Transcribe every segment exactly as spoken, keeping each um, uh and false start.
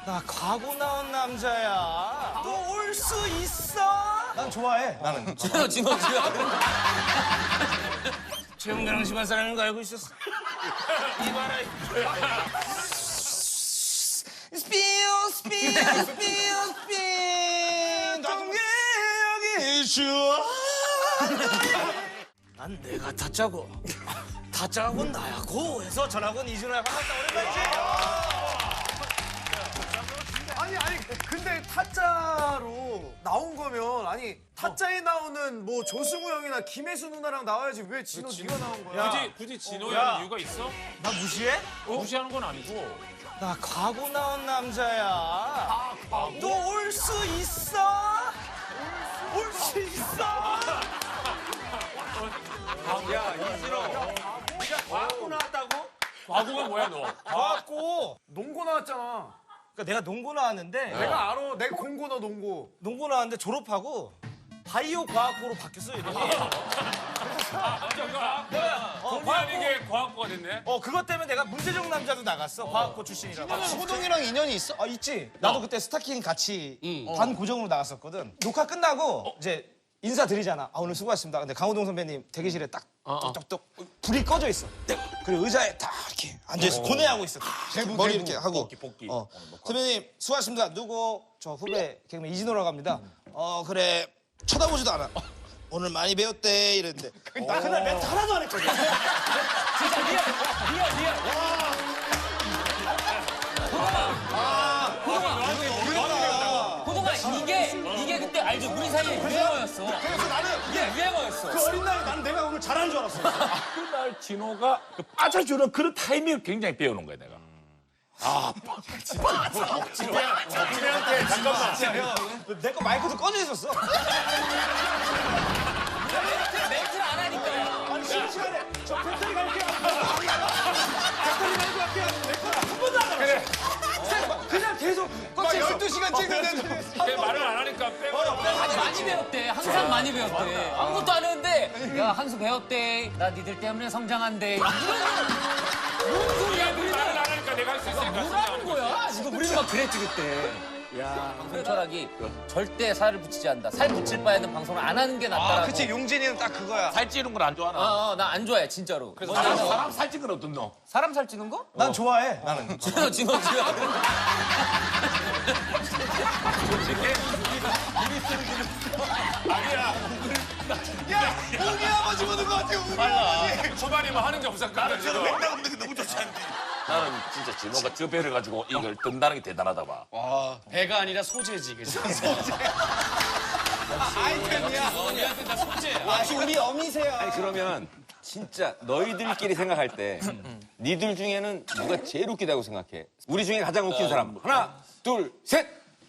나 과거 나온 남자야. 너 올 수 있어? 난 좋아해. 나는. 진호, 진호, 진호. 최영대랑 집안 사람인 거 알고 있었어. 이봐라. 스피어 스피어 스피어 스피어 동계역이 좋아. 난 내가 타짜고 타짜하고 나야고 해서 전학원 이준호야. 반갑다. 오랜만이지? 아니 아니 근데 타짜로 나온 거면 아니 타짜에 나오는 뭐 조승우 형이나 김혜수 누나랑 나와야지 왜 진호 네가 나온 거야? 굳이 굳이 진호야 하는 이유가 있어? 나 무시해? 무시하는 건 아니고. 나 과거 나온 남자야. 너 올 수 있어? 올 수 있어? 야, 이진호. 네가 과거 나왔다고? 과거가 뭐야 너? 과학고. 농고 나왔잖아. 그러니까 내가 농고 나왔는데 내가 알아. 내가 공고 너 농고. 농고 나왔는데 졸업하고 바이오 과학고로 바뀌었어 이름이. 어, 과학이 과학고가 됐네. 어 그것 때문에 내가 문제적 남자도 나갔어. 과학고 출신이라고. 호동이랑 인연이 있어? 아 있지. 나도 그때 스타킹 같이 반 고정으로 나갔었거든. 녹화 끝나고 이제 인사드리잖아. 아 오늘 수고하셨습니다. 근데 강호동 선배님 대기실에 딱 똑똑똑 불이 꺼져 있어. 그리고 의자에 딱 이렇게 앉아있어. 고뇌하고 있어. 머리 이렇게 하고. 복귀 복귀. 어. 선배님 수고하셨습니다. 누구? 저 후배 개그맨 이진호라고 합니다. 어 그래 쳐다보지도 않아. 오늘 많이 배웠대 이랬는데 나 그날 멘트 하나도 안 했거든. 진짜 리얼, 리얼, 리얼. 호동아, 호동아, 이게, 이게 그때 알죠? 우리 사이에 유행어였어. 그래서 나는 이게 유행어였어. 그 어린 나이에 난 내가 오늘 잘하는 줄 알았어. 그날 진호가 그 빠져주는 그런 타이밍을 굉장히 배워놓은 거야 내가. 내 거 마이크도 꺼져 있었어. 멘트를 안 하니까. 아니 쉬는 시간에 저 배터리 갈게요. 배터리 갈고 갈게요. 내 거는 한 번도 안 그래. 그냥 계속 꺼져 있어. 열두 시간 찍는데 내 말을 안 하니까 빼고. 많이 배웠대. 항상 많이 배웠대. 아무것도 안 했는데, 야, 한 수 배웠대. 나 니들 때문에 성장한대. 뭔 소리야, 내 말을 안 하니까 내가 할 수 있으니까. 뭐라는 거야? 지금 우리는 막 그랬지, 그때. 야, 방송 철학이 절대 살을 붙이지 않는다. 살 붙일 바에는 방송을 안 하는 게 낫다라고. 아, 그치 용진이는 딱 그거야. 살찌는 걸 안 좋아하나? 어, 어, 나 안 좋아해, 진짜로. 그래서 먼저 사람, 너. 사람 살찐 건 어떤 너? 사람 살찌는 거? 난 좋아해. 나는. 진호, 진호, 진호. 야 우리 아버지 보는 거 같아. 우리 아버지. 초반이면 하는 게 없었거든. 지금. 맥락 없는 게 너무 좋지 않니? 나는 진짜 진호가 저 배를 가지고 이걸 뜬다는 게 대단하다 봐. 배가 아니라 소재지, 그죠? 아이템이야. 너희한테 다 소재야. 역시 우리 어미세요. 아니 그러면 진짜 너희들끼리 생각할 때 니들 중에는 누가 제일 웃기다고 생각해? 우리 중에 가장 웃긴 사람 하나 둘 셋.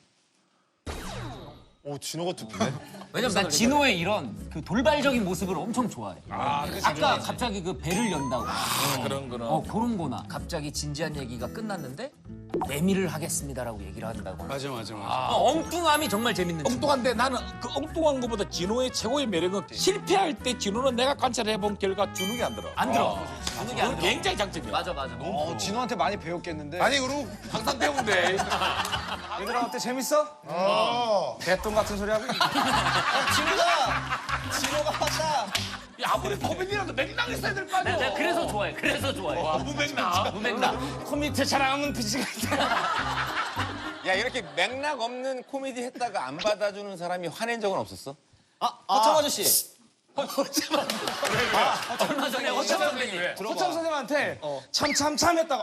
오 진호가 투표네. 왜냐면 난 진호의 이런 그 돌발적인 모습을 엄청 좋아해. 아, 아까 갑자기 그 배를 연다고. 그런 거는. 어, 그런 거나. 갑자기 진지한 얘기가 끝났는데 내미를 하겠습니다라고 얘기를 한다고. 맞아, 맞아, 맞아. 어, 엉뚱함이 정말 재밌는 친구. 엉뚱한데 나는 그 엉뚱한 것보다 진호의 최고의 매력은 실패할 때 진호는 내가 관찰해본 결과 주눅이 안 들어. 안 들어. 주눅이 안 그건 들어. 굉장히 장점이야. 맞아, 맞아. 어 진호한테 많이 배웠겠는데. 아니 그리고 항상 배운대. 얘들아 어때 재밌어? 어. 개똥 같은 소리 하고. 진호가 진호가 왔다. 야, 아무리 코미디라도 맥락 있어야 될 거 아니야. 내가 그래서 좋아해. 그래서 좋아해. 무맥락. 무맥락. 컴퓨터 잘하면 비지겠다. 야 이렇게 맥락 없는 코미디 했다가 안 받아주는 사람이 화낸 적은 없었어? 허참 아저씨. 얼마 전에 허참 선배님. 호참 선생님한테 참 참 참 했다가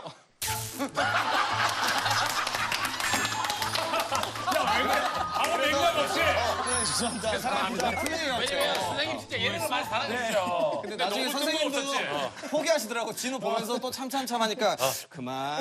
아무 맥락 없이. 죄송합니다. 왜냐면 선생님 진짜 예능을 많이 사랑해주셔. 근데 나중에 선생님도 포기하시더라고. 진호 보면서 또 참참참 하니까 그만.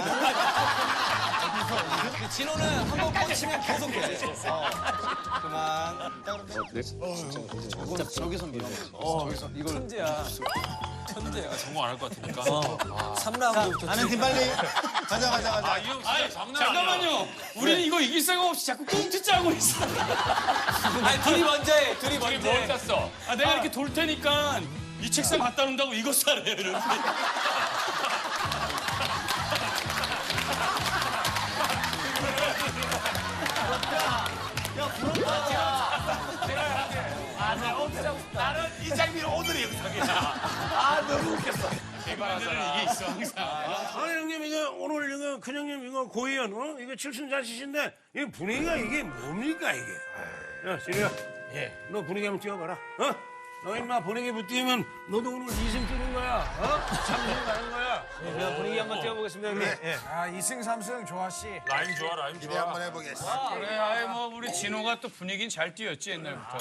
근데 진호는 한 번 뻗치면 계속 돼. 어. 그만. 저건 저기서 밀어. 저기서 이걸 천재야. 천재야. 성공 안 할 것 같으니까. 삼 라운드부터. 아는 팀 빨리. 가자 가자 가자. 아, 이 형 진짜 장난 아니야. 잠깐만요. 우리는 이거 이길 생각 없이 자꾸 꽁트 짜고 있어. 아니 둘이 먼저 해. 둘이 저기 먼저 뭘 해. 짰어? 아 내가 이렇게 돌 테니까 이 책상 갖다 놓는다고 이거 사래. 이렇게. 나는 이 장면이 오늘의 영상이야. 아 너무 웃겼어. 이게 있어 항상. 아니 형님 이거 오늘 이거 큰형님 이거 고의원 어? 이거 칠순자치신데 이 분위기가 이게 뭡니까 이게? 야 진우야, 예, 너 분위기 한번 띄워봐라. 어? 너 임마 분위기 못 띄우면 너도 오늘 이승 뜨는 거야. 어? 삼승 가는 거야. 제가 분위기 한번 띄워보겠습니다, 형님. 예. 아 이승 삼승 조아 씨. 라임 좋아 라임 기대 좋아. 한번 해보겠습니다. 그래, 아이 뭐 우리 진호가 또 분위기는 잘 띄웠지 옛날부터.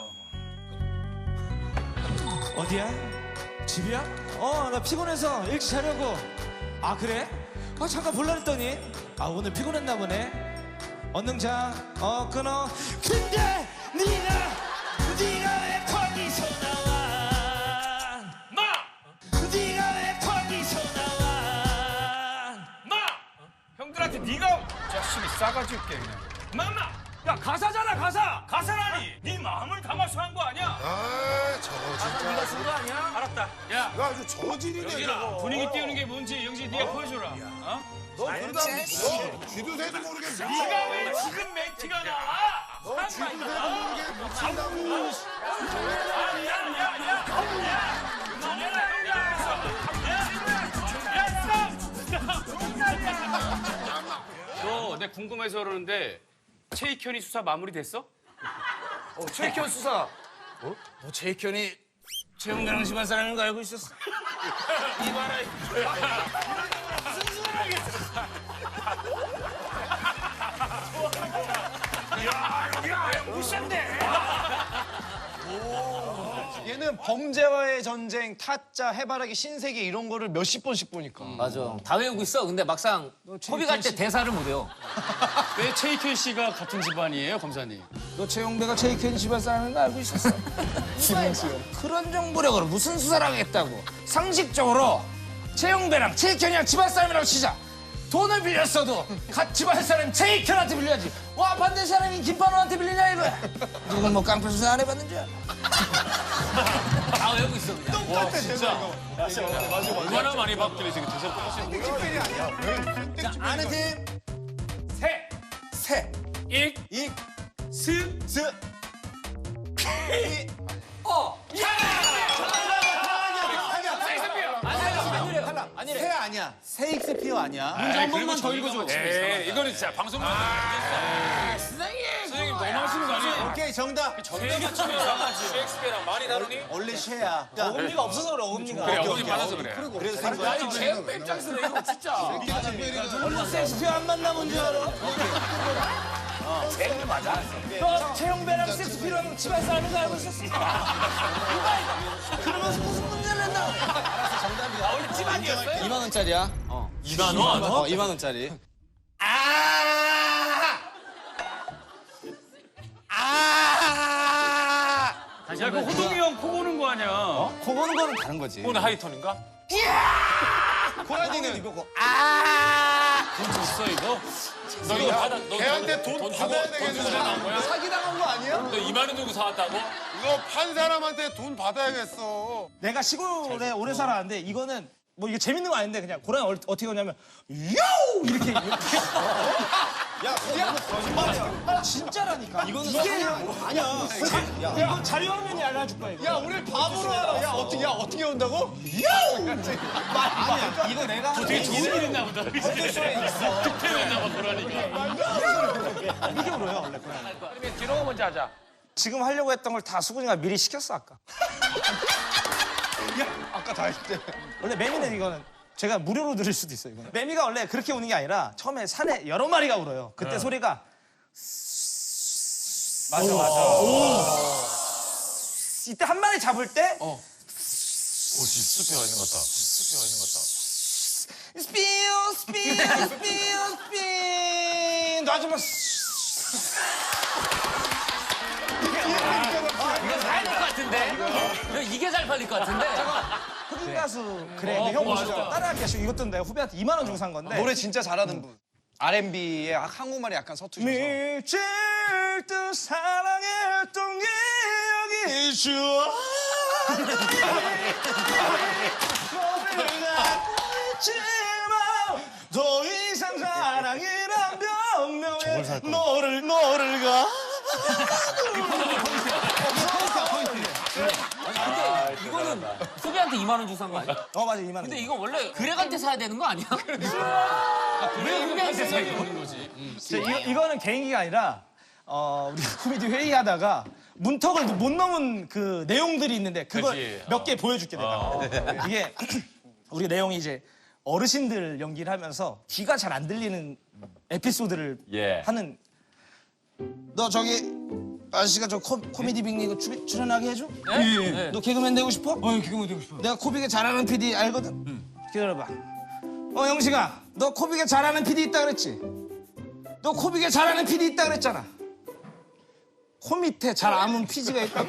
어디야? 집이야? 어, 나 피곤해서 일찍 자려고. 아, 그래? 아, 잠깐 볼라 했더니. 아, 오늘 피곤했나 보네. 얼른 자, 어, 끊어. 근데 네가, 네가 왜 거기서 나와? 마! 네가 왜 거기서 나와? 마! 형들한테 네가 자식이 싸가지 없게 그냥. 마마! 야 가사잖아 가사! 가사라니! 네 마음을 담아서 한 거 아니야? 아 저거 진짜. 네가 쓴 거 아니야? 알았다. 야 이거 아주 저질이네 영진아 저거. 분위기 띄우는 게 뭔지 영진 네가 보여줘라. 어? 너 그러다 너 쥐도 새도 모르게 네가 네가 왜 지금 멘트가 나와? 너 쥐도 새도 모르게 묻힌다고. 너 내 궁금해서 그러는데 최익현이 수사 마무리됐어? 어, 최익현 수사. 너 최익현이 최영대랑 집안 사람인 거 알고 있었어? 이봐라. 야, 여기가 무시한데. 얘는 범죄와의 전쟁, 타짜, 해바라기, 신세계 이런 거를 몇십 번씩 보니까. 맞아. 다 외우고 있어. 근데 막상 코비 갈 때 대사를 못 외워. 왜 최익현 씨가 같은 집안이에요, 검사님? 너 최용배가 최익현 집안 사람인 거 알고 있었어? 그런 정보력으로 무슨 수사를 하겠다고. 상식적으로 최용배랑 최익현이랑 집안 사람이라고 치자. 돈을 빌렸어도 갓 집안 사람 최익현한테 빌려야지. 와 반대 사람이 김판호한테 빌리냐 이거야. 누군 뭐 깡패 수사 안 해봤는 줄 알아? 다 외우고 있어. 그냥. 똑같아 진짜. 얼마나 많이 바뀌래 지금 대사 땡땡이 아니야. 아는 팀 세, 세. 익, 익. 스, 스. 아니래. 새 아니야. 세익스피어 아니야. 문제 한 번만 더 읽어줘. 에이 이거는 진짜 방송 못 아, 선생님. 선생님 너무 하시는 거 아니에요? 오케이 정답. 정답 맞추면 셰익스피어랑 많이 다르니? 원래 쉐야. 어금니가 없어서 그래 어금니가. 그래 어머니 받아서 그래. 그래서 산 거야. 아니 제육 입장에서 이거 진짜. 섹스피어 안 만나본 줄 알아? 제일 맞아. 너 최영배랑 섹스피어랑 집안 사람인 거 알고 있었어? 그러면서 무슨 문제를 냈나? 알았어 정답이야. 원래 집안이었어요? 이만 원짜리야. 이만 원? 어 이만 원짜리. 아! 아! 야, 그 호동이 형 코 고는 거 아니야? 코 고는 거는 다른 거지. 오늘 하이톤인가? 고라니는 이거고. 아! 돈 줬어 이거? 너 이거 받아 너 걔한테 돈 돈 받아야 주고 돈 주고 되겠는데. 나온 거야? 사기당한 거 아니야? 너 이만 원 주고 사왔다고? 이거 판 사람한테 돈 받아야겠어. 내가 시골에 오래 살았는데 이거는 뭐 이게 재밌는 거 아닌데 그냥 고라니 얼- 어떻게 하냐면 요 이렇게 이렇게 야, 야, 거짓말이야. 진짜라니까. 이거는 이게 아니야. 야, 이거 자료 화면이 알려줄 거야. 이거. 야, 우리 바보로 하라. 야, 어떻게, 야, 어떻게 온다고? 아니야. 이거 내가 되게 좋은 일 했나 보다. 득템했나 봐, 그러니까. 이게 울어요 원래. 그러면 디노가 먼저 하자. 지금 하려고 했던 걸 다 수근이가 미리 시켰어 아까. 아까 다 했대. 원래 매미는 이거는 제가 무료로 들을 수도 있어요. 이거는. 매미가 원래 그렇게 우는 게 아니라 처음에 산에 여러 마리가 울어요. 그때 소리가 맞아, 맞아. 이때 한 마리 잡을 때 오, 숲에 와 있는 것 같다. 숲에 와 있는 것 같다. 스피어 스피어 스피어 스피어 놔주면 이거 잘 팔릴 것 같은데? 이거 이게 잘 팔릴 것 같은데? 흑인 가수 그래 근데 형 보시죠 따라하기가 쉬워. 이것도 내가 후배한테 이만 원 주고 산 건데 노래 진짜 잘하는 분. 알앤비에 한국말이 약간 서투셔서. 미칠 듯 사랑했던 기억이 좋아 너를 더 이상 사랑이란 변명에 너를 너를 가 이거는 소비한테 이만 원 주고 산 거 아니야? 어 맞아 이만 원. 근데 이거 원래 그렉한테 사야 되는 거 아니야? 왜 소비한테 사야 되는 거지? 저 이거, 이거는 개인기가 아니라 어, 우리 코미디 회의하다가 문턱을 못 넘은 그 내용들이 있는데 그걸 그치. 몇 개 보여줄게 내가. 이게 우리 내용이 이제 어르신들 연기를 하면서 귀가 잘 안 들리는 에피소드를 예. 하는. 너 저기 아저씨가 저 코, 코미디 빅리그 출- 출연하게 해줘? 예. 너 개그맨 되고 싶어? 어, 개그맨 되고 싶어. 내가 코빅에 잘하는 피디 알거든? 기다려봐. 어, 영식아, 너 코빅에 잘하는 피디 있다 그랬지? 너 코빅에 잘하는 피디 있다 그랬잖아. 코 밑에 잘 아는 피지가 있다고.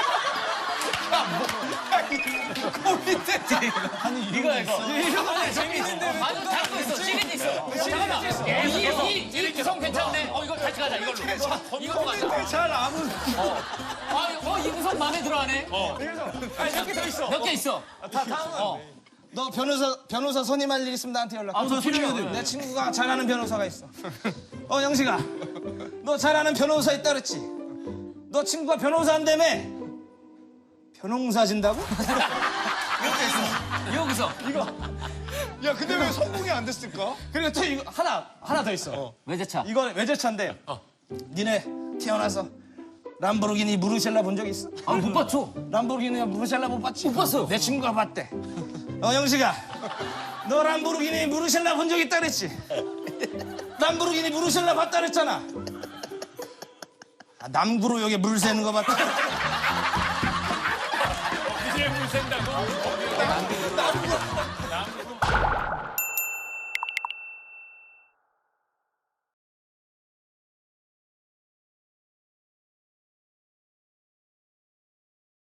코 밑에 이거 이거. 이거 재밌는데. 아니 잘고 있어. 찌릿 있어. 잠깐만. 이이 이 구성 괜찮네. 어 이거 같이 가자 이걸로. 이걸로 가자. 잘 아는. 아, 어, 이 구성 마음에 들어하네. 몇 개 더 있어. 몇 개 있어. 다 다음은. 너 변호사 변호사 선임할 일 있으면 나한테 연락. 아, 저 필요해. 내 친구가 잘하는 변호사가 있어. 어, 영식아, 너 잘하는 변호사 있다 그랬지? 너 친구가 변호사 한다며? 변호사 진다고? 여기서. 야 근데 왜 성공이 안 됐을까? 그리고 또 이거 하나 하나 더 있어. 외제차. 이건 외제차인데. 니네 태어나서 람보르기니 무르셀라 본 적 있어? 아, 못 봤죠. 람보르기니 무르셀라 못 봤지? 못 봤어. 내 친구가 봤대. 어, 영식아, 너 람보르기니 무르셀라 본 적 있다 그랬지? 람보르기니 무르셀라 봤다 그랬잖아. 아, 남구로 여기 물 새는 거 봤다. 이제 물 샌다고?